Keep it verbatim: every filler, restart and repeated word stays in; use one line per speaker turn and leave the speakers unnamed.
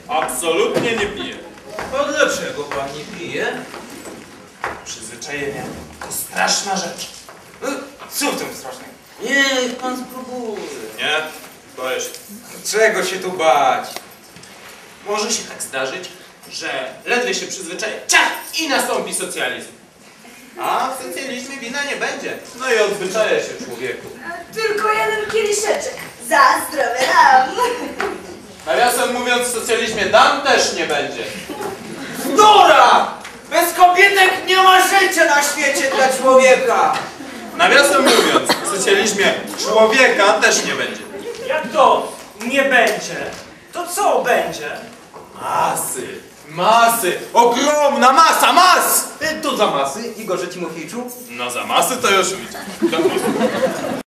Absolutnie nie piję.
A dlaczego pan nie pije?
Przyzwyczajenie to straszna rzecz.
Co w tym strasznego? Niech pan spróbuje.
Nie? Boję się.
Czego się tu bać?
Może się tak zdarzyć, że ledwie się przyzwyczaję, ciach! I nastąpi socjalizm. A w socjalizmie wina nie będzie. No i odzwyczaja się człowieku.
Tylko jeden kieliszeczek. Za zdrowie nam.
Nawiasem mówiąc, w socjalizmie dam też nie będzie.
Dora! Bez kobietek nie ma życia na świecie dla człowieka!
Nawiasem mówiąc, w socjalizmie człowieka też nie będzie.
Jak to nie będzie? To co będzie?
Masy, masy, ogromna masa mas!
To za masy, Igorze Timofejczu.
No za masy to już widzę.